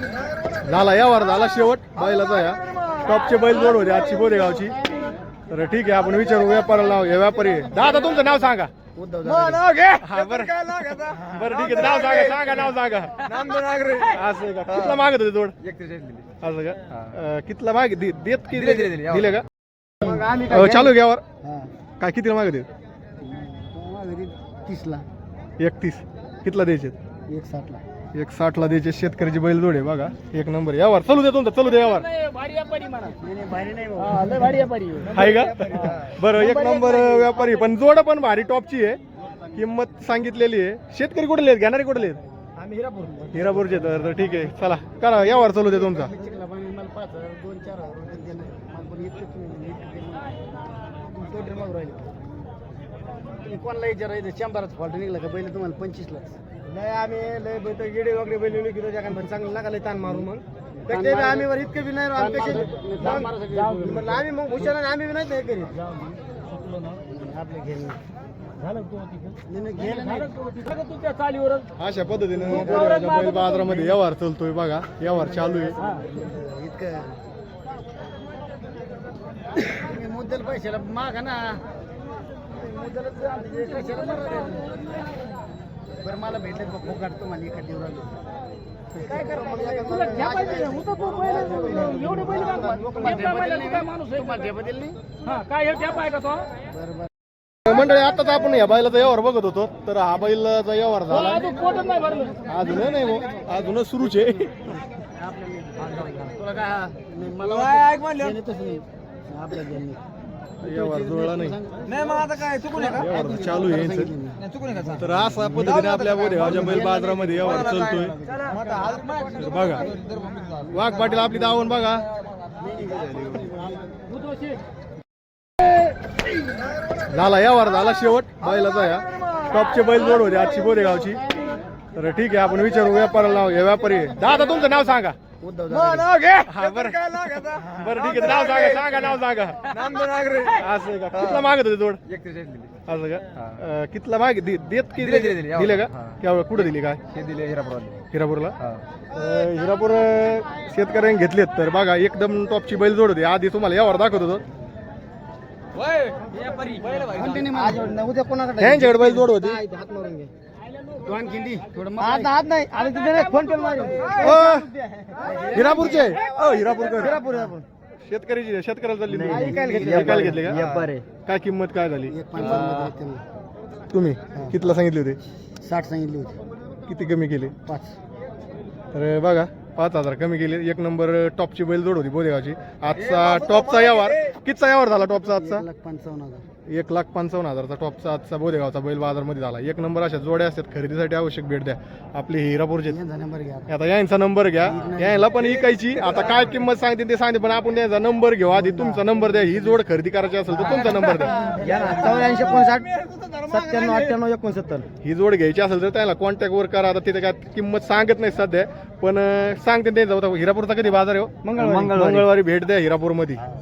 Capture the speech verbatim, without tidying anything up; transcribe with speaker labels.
Speaker 1: झाला यावर झाला शेवट बैलाचा या टॉपचे बैल जोड होते आजची बोदेगावची. तर ठीक आहे आपण विचारू व्यापाराला नाव हे व्यापारी आहे. दादा तुमचं नाव सांगा.
Speaker 2: नाव घे.
Speaker 1: हा बरं बरं ठीक आहे नाव सांगा सांगा नाव सांगा. असं का कितला मागत होते जोड असं का अं, कितला मागे दे- देत की दिले का अं, चालू घ्यावर काय कितीला मागत
Speaker 2: तीसला
Speaker 1: एकतीस कितला द्यायचे
Speaker 2: एक साठला
Speaker 1: एक साठ ला द्यायचे शेतकऱ्याची बैल जोडे बघा एक नंबर यावर चालू दे तुमचा चालू दे यावर आहे का बरं एक नंबर व्यापारी पण जोड पण भारी टॉपची आहे. किंमत सांगितलेली आहे. शेतकरी कुठले आहेत घेणारे कुठले आहेत
Speaker 2: आम्ही हिरापूर
Speaker 1: हिरापूरचे तर तर ठीक आहे चला करा यावर चालू दे तुमचा
Speaker 2: मला पाच हजार दोन चार हजार रुपये दिले. मला पण इतकंच नाही, इतकं टोटल मागून राहिले. तुम्ही कोणाला विचारायचं शंभराचं फॉल्ट निघला का बैल तुम्हाला पंचवीसला लय आम्ही लय बैठ गिडे वगैरे बैल विकतो त्या कारण चांगलं नका लय ताण मारू मग त्याचे बी आम्ही वर इतकं बी नाही राहू, आम्ही कसे म्हणलं आम्ही मग हुशार आम्ही बी नाही ते करीत आपले घेणे
Speaker 1: अशा पद्धतीने बोदेगावच्या बैल बाजारामध्ये व्यवहार चालतोय बघा व्यवहार चालू आहे.
Speaker 2: इतकं तुम्ही मुद्दल पैशाला मागा ना मुद्दलच आमचे कशाला मारा. बरं मला भेटले फोकाट तुम्हाला एका दिवस काय
Speaker 1: मंडळी आताच आपण या बैलाचा व्यवहार बघत होतो तर हा बैलाचा व्यवहार झाला अजून नाही हो अजून सुरूच आहे.
Speaker 2: तुला काय मला आपल्या
Speaker 1: व्यवहार जुळला नाही
Speaker 2: नाही मग आता काय चुकून
Speaker 1: व्यवहार चालू आहे यांचं.
Speaker 2: चुकून का
Speaker 1: तर असा पद्धतीने आपल्या बोदेगावच्या बैल बाजारामध्ये व्यवहार चालतोय. तर बघा वाघ पाटील आपली दावण बघा झाला यावर झाला शेवट बैलाचा या टॉपचे बैल जोड होते आजची बोदेगावची. तर ठीक आहे आपण विचारू व्यापाराला नाव हे व्यापारी आहे. दादा तुमचं नाव सांगा.
Speaker 2: नाव घे.
Speaker 1: हा बरं बरं ठीक आहे नाव सांगा सांगा नाव सांगा. असं का कितला मागत होते जोड असं का अं, कितला मागे दे- देत की दिले का केवढं कुठं दिली काय हिरापूरला अं, हिरापूर अं, शेतकऱ्यांनी घेतलेत. तर बघा एकदम टॉपची बैल जोड होती आधी तुम्हाला यावर दाखवत होतो
Speaker 2: उद्या कोणाकडे
Speaker 1: ह्यांच्याकडे बैल जोड होती.
Speaker 2: हात मारून घे दोन खिंडी थोडं हात हात नाही आणि तिथे फोन पे मार
Speaker 1: अं, हिरापूरचे अ हिरापूरकर
Speaker 2: हिरापूर हिरापूर
Speaker 1: शेतकऱ्याची शेतकऱ्याला चालली
Speaker 2: नाही, विकायला घेतली.
Speaker 1: विकायला घेतले का काय किंमत काय झाली
Speaker 2: एक पंचावन्न मध्ये त्यांना
Speaker 1: तुम्ही कितीला सांगितले होते
Speaker 2: साठ सांगितली होती
Speaker 1: किती कमी केले
Speaker 2: पाच
Speaker 1: तर बघा पाच हजार कमी केले. एक नंबर टॉपची बैल जोड होती बोदेगावची. आजचा टॉपचा यावर कितीचा यावर झाला टॉपचा आजचा
Speaker 2: एक लाख पंचावन्न हजार
Speaker 1: एक लाख पंचावन्न हजारचा टॉपचा आजचा बोदेगावचा बैल बाजारमध्ये झाला. एक नंबर अशा जोड्या असतात खरेदीसाठी आवश्यक भेट द्या आपली हिरापूरचे.
Speaker 2: यांचा नंबर घ्या
Speaker 1: आता यांचा नंबर घ्या यायला पण इकायची आता काय किंमत सांगते ते सांगते पण आपण त्यांचा नंबर घेऊ आधी तुमचा नंबर द्या. ही जोड खरेदी करायची असेल तर तुमचा नंबर द्या.
Speaker 2: या ना चौऱ्याऐंशी एकोणसाठ सत्त्याण्णव अठ्ठ्याण्णव एकोणसत्तर
Speaker 1: ही जोड घ्यायची असेल तर त्याला कॉन्टॅक्ट वर करा. आता तिथे काय किंमत सांगत नाही सध्या पण अं, सांगते ते जाऊ हिरापूरचा कधी बाजार आहे हो?
Speaker 2: मंगळवारी.
Speaker 1: मंगळवारी भेट द्या हिरापूरमध्ये.